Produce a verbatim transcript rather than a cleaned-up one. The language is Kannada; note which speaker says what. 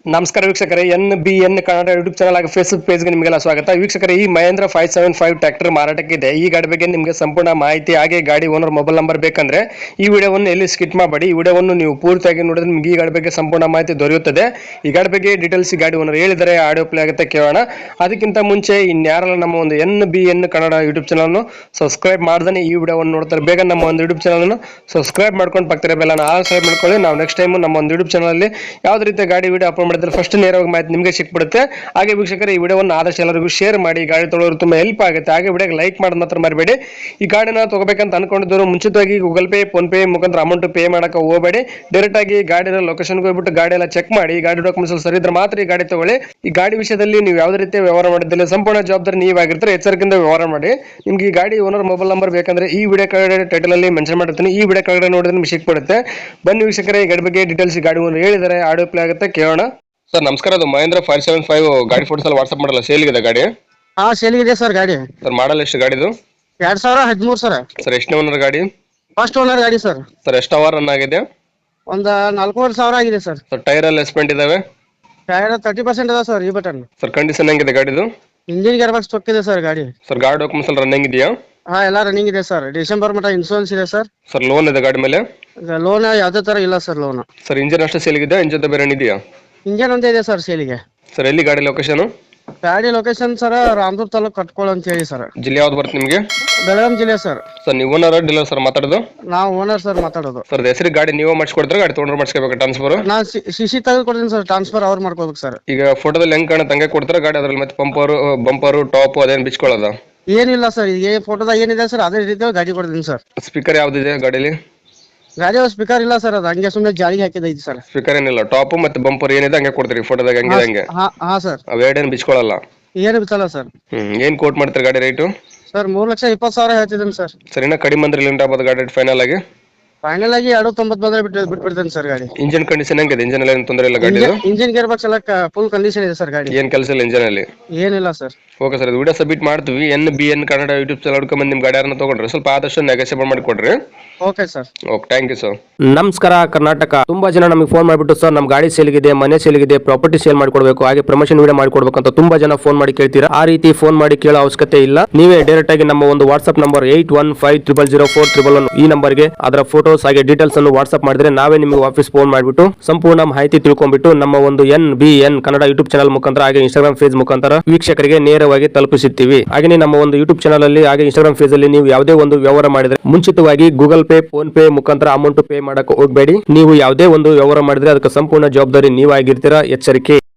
Speaker 1: ನಮಸ್ಕಾರ ವೀಕ್ಷಕರೇ, N B N Kannada YouTube channel ಹಾಗೂ ಫೇಸ್ಬುಕ್ ಪೇಜ್ಗೆ ನಿಮಗೆಲ್ಲ ಸ್ವಾಗತ. ವೀಕ್ಷಕರೇ, ಈ Mahindra five seven five tractor ಮಾರಾಟಕ್ಕಿದೆ. ಈ ಗಾಡಿ ಬಗ್ಗೆ ನಿಮಗೆ ಸಂಪೂರ್ಣ ಮಾಹಿತಿ ಹಾಗೆ ಗಾಡಿ ಓನರ್ ಮೊಬೈಲ್ ನಂಬರ್ ಬೇಕಂದ್ರೆ ಈ ವಿಡಿಯೋವನ್ನು ಎಲ್ಲಿ ಸ್ಕಿಪ್ ಮಾಡಬೇಡಿ. ಈ ವಿಡಿಯೋವನ್ನು ನೀವು ಪೂರ್ತಿಯಾಗಿ ನೋಡಿದ್ರೆ ನಿಮಗೆ ಈ ಗಾಡಿ ಬಗ್ಗೆ ಸಂಪೂರ್ಣ ಮಾಹಿತಿ ದೊರೆಯುತ್ತದೆ. ಈ ಗಾಡಿ ಬಗ್ಗೆ ಡೀಟೇಲ್ಸ್ ಈ ಗಾಡಿ ಓನರ್ ಹೇಳಿದರೆ ಆಡಿಯೋ ಪ್ಲೇ ಆಗುತ್ತೆ, ಕೇಳೋಣ. ಅದಕ್ಕಿಂತ ಮುಂಚೆ ಇನ್ಯಾರಲ್ಲ ನಮ್ಮ ಒಂದು N B N Kannada YouTube ಚಾನಲ್ನು ಸಬ್ಸ್ಕ್ರೈಬ್ ಮಾಡ್ದೇ ಈ ವಿಡಿಯೋವನ್ನು ನೋಡ್ತಾರೆ ಬೇಗ ನಮ್ಮ ಒಂದು ಯೂಟ್ಯೂಬ್ ಚಾನಲ್ನ ಸಬ್ಸ್ಕ್ರೈಬ್ ಮಾಡ್ಕೊಂಡು ಪಕ್ಕದ ಬೆಲ್ಲನ್ನು ಆಲ್ ಸಬ್ಸ್ಕ್ರೈಬ್ ಮಾಡ್ಕೊಳ್ಳಿ. ನಾವು ನೆಕ್ಸ್ಟ್ ಟೈಮ್ ನಮ್ಮ ಒಂದು ಯೂಟ್ಯೂಬ್ ಚಾನಲ್ ಯಾವುದೇ ರೀತಿಯ ಗಾಡಿ ವಿಡಿಯೋ ಅಪ್ಲೋಡ್ ಮಾಡಿದ್ರೆ ಫಸ್ಟ್ ನೇರವಾಗಿ ಮಾಹಿತಿ ನಿಮಗೆ ಸಿಕ್ಬಿಡುತ್ತೆ. ಹಾಗೆ ವೀಕ್ಷಕರೇ, ಈ ವಿಡಿಯೋವನ್ನು ಆದಷ್ಟು ಎಲ್ಲರಿಗೂ ಶೇರ್ ಮಾಡಿ, ಗಾಡಿ ತೊಗೊಳ್ಳೋರು ತುಂಬಾ ಹೆಲ್ಪ್ ಆಗುತ್ತೆ. ಹಾಗೆ ವಿಡಿಯೋಗೆ ಲೈಕ್ ಮಾಡೋದು ಮಾತ್ರ ಮರಿಬೇಡಿ. ಈ ಗಾಡಿನ ತಗೋಬೇಕಂತ ಅನ್ಕೊಂಡಿದ್ದವರು ಮುಂಚಿತವಾಗಿ ಗೂಗಲ್ ಪೇ, ಫೋನ್ ಪೇ ಮುಖಾಂತರ ಅಮೌಂಟ್ ಪೇ ಮಾಡಕ್ಕೆ ಹೋಗಬೇಡಿ. ಡೈರೆಕ್ಟ್ ಆಗಿ ಗಾಡಿನ ಲೊಕೇಶನ್ಗೆ ಹೋಗ್ಬಿಟ್ಟು ಗಾಡಿ ಎಲ್ಲ ಚೆಕ್ ಮಾಡಿ, ಗಾಡಿ ಡಾಕ್ಯುಮೆಂಟ್ಸ್ ಸರಿ ಇದ್ರೆ ಮಾತ್ರ ಈ ಗಾಡಿ ತಗೊಳ್ಳಿ. ಈ ಗಾಡಿ ವಿಷಯದಲ್ಲಿ ನೀವು ಯಾವುದೇ ರೀತಿಯ ವ್ಯವಹಾರ ಮಾಡಿದ್ದಲ್ಲಿ ಸಂಪೂರ್ಣ ಜವಾಬ್ದಾರಿ ನೀವಾಗಿರ್ತಾರೆ. ಎಚ್ಚರಿಕೆಯಿಂದ ವ್ಯವಹಾರ ಮಾಡಿ. ನಿಮ್ಗೆ ಈ ಗಾಡಿ ಓನರ್ ಮೊಬೈಲ್ ನಂಬರ್ ಬೇಕಂದ್ರೆ ಈ ವಿಡಿಯೋ ಕೆಳಗಡೆ ಟೈಟಲ್ ಅಲ್ಲಿ ಮೆನ್ಷನ್ ಮಾಡಿರ್ತೀನಿ. ಈ ವಿಡಿಯೋ ಕೆಳಗಡೆ ನೋಡಿದ್ರೆ ನಿಮ್ಗೆ ಸಿಕ್ಬಿಡುತ್ತೆ. ಬನ್ನಿ ವೀಕ್ಷಕರೇ, ಈ ಗಾಡಿ ಬಗ್ಗೆ ಡೀಟೇಲ್ಸ್ ಗಾಡಿ ಓನರ್ ಹೇಳಿದರೆ ಆಡಿಯೋ ಪ್ಲೇ ಆಗುತ್ತೆ, ಕೇಳೋಣ. ಸರ್ ನಮಸ್ಕಾರ, ಅದು ಮಹೇಂದ್ರ ಫೈವ್ ಸೆವೆನ್ ಫೈವ್ ಗಾಡಿ ಫೋಟೋಸ್ ಎಲ್ಲ ವಾಟ್ಸ್ಆಪ್ ಮಾಡಲ್ಲ, ಸೇಲ್ಗಿದೆ ಗಾಡಿ?
Speaker 2: ಹಾ ಸೇಲ್ಗಿದೆ ಸರ್ ಗಾಡಿ.
Speaker 1: ಸರ್ ಮಾಡಲ್ ಎಷ್ಟು ಗಾಡಿದು?
Speaker 2: ಎರಡ್ ಸಾವಿರ ಹದಿಮೂರು ಸರ್.
Speaker 1: ಸರ್ ಎಷ್ಟನೇ ಓನರ್ ಗಾಡಿ?
Speaker 2: ಫಸ್ಟ್ ಓನರ್ ಗಾಡಿ ಸರ್.
Speaker 1: ಸರ್ ಎಷ್ಟು ಅವರ್ ರನ್ ಆಗಿದೆ?
Speaker 2: ಒಂದ್ ನಾಲ್ಕೂವರೆ ಸಾವಿರ ಆಗಿದೆ ಸರ್.
Speaker 1: ಸರ್ ಟೈರ್ ಎಲ್ಲ ಎಸ್ಪೆಂಟ್ ಇದಾವೆ?
Speaker 2: ಟೈರ್ ತರ್ಟಿ ಪರ್ಸೆಂಟ್ ಅದ ಸರ್. ಈ ಬಟನ್
Speaker 1: ಸರ್ ಕಂಡೀಷನ್ ಹೆಂಗಿದೆ ಗಾಡಿದು?
Speaker 2: ಇಂಜಿನ್ ಗೇರ್ ಬಾಕ್ಸ್ ತೊಕ್ಕಿದೆ ಸರ್ ಗಾಡಿ.
Speaker 1: ಸರ್ ಗಾಡಿ ಡಾಕ್ಯುಮೆಂಟ್ಸ್ ಎಲ್ಲ ರನ್ನಿಂಗ್ ಇದೆಯಾ?
Speaker 2: ಹಾ ಎಲ್ಲ ರನ್ನಿಂಗ್ ಇದೆ ಸರ್. ಡಿಸೆಂಬರ್ ಮಟ್ಟ ಇನ್ಶೂರೆನ್ಸ್ ಇದೆ ಸರ್.
Speaker 1: ಸರ್ ಲೋನ್ ಇದೆ ಗಾಡಿ ಮೇಲೆ?
Speaker 2: ಲೋನ್ ಯಾವ್ದೇ ತರ ಇಲ್ಲ ಸರ್ ಲೋನ್.
Speaker 1: ಸರ್ ಇಂಜಿನ್ ಅಷ್ಟೇ ಸೇಲ್ಗಿದೆ, ಇಂಜಿನ್ ಬೇರೆ ಇದೆಯಾ?
Speaker 2: ಇಂಜಿನ್ ಒಂದೇ ಇದೆ ಸರ್ ಸೇಲಿಗೆ.
Speaker 1: ಸರ್ ಎಲ್ಲಿ ಗಾಡಿ ಲೊಕೇಶನ್?
Speaker 2: ಗಾಡಿ ಲೊಕೇಶನ್ ಸರ್ ರಾಮದುರ್ಗ ತಾಲೂಕು ಕಟ್ಕೋಳ ಅಂತ ಹೇಳಿ ಸರ್.
Speaker 1: ಜಿಲ್ಲೆ ಯಾವ್ದು ಬರುತ್ತೆ ನಿಮಗೆ?
Speaker 2: ಬೆಳಗಾಂ ಜಿಲ್ಲೆ ಸರ್.
Speaker 1: ಸರ್ ನೀವು ಓನರ್ ಡೀಲರ್ ಸರ್ ಮಾತಾಡೋದು?
Speaker 2: ನಾವು ಓನರ್ ಸರ್ ಮಾತಾಡೋದು.
Speaker 1: ಸರ್ ಹೆಸರು ಗಾಡಿ ನೀವು ಮಾಡಿಸ್ಕೊಡ್ತಾರೆ, ಗಾಡಿ ತೊಗೊಂಡ್ರೆ ಮಾಡಿಸ್ಕೋಬೇಕು ಟ್ರಾನ್ಸ್ಫರ್?
Speaker 2: ನಾ ಸಿಸಿ ತೆಗೆದು ಕೊಡ್ತೀನಿ ಸರ್, ಟ್ರಾನ್ಸ್ಫರ್ ಅವ್ರು ಮಾಡ್ಕೋಬೇಕು ಸರ್.
Speaker 1: ಈಗ ಫೋಟೋದಲ್ಲಿ ಹೆಂಗ್ ಕಾಣುತ್ತೆ ಹಂಗೆ ಕೊಡ್ತಾರೆ ಗಾಡಿ, ಅದ್ರಲ್ಲಿ ಮತ್ತೆ ಪಂಪರು ಬಂಪರು ಟಾಪ್ ಅದೇನು ಬಿಚ್ಕೊಳ್ಳೋದ?
Speaker 2: ಏನಿಲ್ಲ ಸರ್, ಈಗ ಫೋಟೋದಾಗ ಏನಿದೆ ಸರ್ ಅದೇ ರೀತಿ ಗಾಡಿ ಕೊಡ್ತೀನಿ ಸರ್.
Speaker 1: ಸ್ಪೀಕರ್ ಯಾವ್ದಿದೆ ಗಾಡಿಲಿ?
Speaker 2: ಗಾಡಿ ಸ್ಪೀಕರ್ ಇಲ್ಲ ಸರ್, ಅದು ಹಂಗೆ ಸುಮ್ಮನೆ ಜಾಲಿಗೆ ಹಾಕಿದೈತಿ ಸರ್.
Speaker 1: ಸ್ಪೀಕರ್ ಏನಿಲ್ಲ, ಟಾಪ್ ಮತ್ತೆ ಬಂಪರ್ ಏನಿದೆ ಹಂಗೆ ಕೊಡ್ತೀರಿ ಫೋಟೋದಾಗ ಹಂಗೆ ಹಂಗೆ?
Speaker 2: ಹಾ ಸರ್.
Speaker 1: ಅವೇಡೇನು ಬಿಚ್ಕೊಳ್ಳಲ್ಲ?
Speaker 2: ಏನು ಬಿತ್ತಲ್ಲ ಸರ್.
Speaker 1: ಹ್ಮ್ ಏನ್ ಕೋಟ್ ಮಾಡ್ತಾರೆ ಗಾಡಿ ರೇಟು?
Speaker 2: ಸರ್ ಮೂರ್ ಲಕ್ಷ ಇಪ್ಪತ್ತು ಸಾವಿರ ಹೇಳ್ತಿದ್ದೀನಿ ಸರ್.
Speaker 1: ಸರ್ ಇನ್ನ ಕಡಿಮೆ ಅಂದ್ರೆ ಲಿಮಿಟ್ ಆಗ್ಬೋದು ಗಾಡಿ ಫೈನಲ್ ಆಗಿ?
Speaker 2: ಫೈನಲ್ ಆಗಿ ಎರಡು ತೊಂಬತ್ತು ಬಂದ್ರೆ ಬಿಟ್ಟು ಬಿಟ್ಬಿಡ್ತೇನೆ ಸರ್ ಗಾಡಿ.
Speaker 1: ಇಂಜಿನ್ ಕಂಡೀಷನ್ ಹೆಂಗಿದೆ? ಇಂಜಿನ್ ಎಲ್ಲ ಏನು ತೊಂದರೆ ಇಲ್ಲ ಗಾಡಿ?
Speaker 2: ಇಂಜಿನ್ ಗೇರ್ ಬಾಕ್ಸ್ ಎಲ್ಲ ಫುಲ್ ಕಂಡೀಷನ್ ಇದೆ ಸರ್ ಗಾಡಿ.
Speaker 1: ಏನ್ ಕೆಲಸ ಇಲ್ಲ ಇಂಜಿನ್ ಅಲ್ಲಿ?
Speaker 2: ಏನಿಲ್ಲ sir.
Speaker 1: Okay sir, video submit ಮಾಡ್ತೀವಿ. N B N Kannada YouTube channel ಹುಡ್ಕೊಂಡ್ ನಿಮ್ ಗಾಡಿ ಯಾರನ್ನ ತಗೊಂಡ್ರೆ ಸ್ವಲ್ಪ ಆದಷ್ಟು ನೆಗೋಸಿಯೇಟ್ ಮಾಡಿ ಕೊಡ್ರಿ.
Speaker 2: Okay sir.
Speaker 1: Okay, thank you sir.
Speaker 3: ನಮಸ್ಕಾರ ಕರ್ನಾಟಕ. ತುಂಬಾ ಜನ ನಮಗೆ ಫೋನ್ ಮಾಡಿಬಿಟ್ಟು ಸರ್ ನಮ್ಮ ಗಾಡಿ ಸೇಲ್ಗಿದೆ, ಮನೆ ಸೇಲ್ಗಿದೆ, ಪ್ರಾಪರ್ಟಿ ಸೇಲ್ ಮಾಡಿಕೊಡ್ಬೇಕು, ಹಾಗೆ ಪ್ರಮೋಷನ್ ವಿಡಿಯೋ ಮಾಡಿಕೊಡ್ಬೇಕು ಅಂತ ತುಂಬಾ ಜನ ಫೋನ್ ಮಾಡಿ ಕೇಳ್ತೀರಾ. ಆ ರೀತಿ ಫೋನ್ ಮಾಡಿ ಕೇಳೋ ಅವಶ್ಯಕತೆ ಇಲ್ಲ. ನೀವೇ ಡೈರೆಕ್ಟ್ ಆಗಿ ನಮ್ಮ ಒಂದು WhatsApp number eight one five triple zero four triple one ಈ ನಂಬರ್ಗೆ ಅದರ ಫೋಟೋಸ್ ಹಾಗೆ ಡೀಟೇಲ್ಸ್ ಅನ್ನು ವಾಟ್ಸ್ಆಪ್ ಮಾಡಿದ್ರೆ ನಾವೇ ನಿಮಗೆ ವಾಪಸ್ ಫೋನ್ ಮಾಡಿಬಿಟ್ಟು ಸಂಪೂರ್ಣ ಮಾಹಿತಿ ತಿಳ್ಕೊಂಡ್ಬಿಟ್ಟು ನಮ್ಮ ಒಂದು N B N Kannada YouTube channel ಮುಖಾಂತರ ಹಾಗೆ ಇನ್ಸ್ಟಾಗ್ರಾಮ್ ಪೇಜ್ ಮುಖಾಂತರ ವೀಕ್ಷಕರಿಗೆ ನೇರವಾಗಿ ತಲುಪಿಸುತ್ತೀವಿ. ಹಾಗೆ ನಮ್ಮ ಒಂದು ಯೂಟ್ಯೂಬ್ ಚಾನಲ್ ಅಲ್ಲಿ ಹಾಗೆ ಇನ್ಸ್ಟಾಗ್ರಾಮ್ ಪೇಜ್ ಅಲ್ಲಿ ನೀವು ಯಾವುದೇ ಒಂದು ವ್ಯವಹಾರ ಮಾಡಿದ್ರೆ ಮುಂಚಿತವಾಗಿ ಗೂಗಲ್ ಪೇ, ಫೋನ್ ಪೇ ಮುಖಾಂತರ ಅಮೌಂಟ್ ಪೇ ಮಾಡಕ್ಕೆ ಹೋಗಬೇಡಿ. ನೀವು ಯಾವುದೇ ಒಂದು ವ್ಯವಹಾರ ಮಾಡಿದ್ರೆ ಅದಕ್ಕೆ ಸಂಪೂರ್ಣ ಜವಾಬ್ದಾರಿ ನೀವಾಗಿರ್ತೀರಾ. ಎಚ್ಚರಿಕೆ.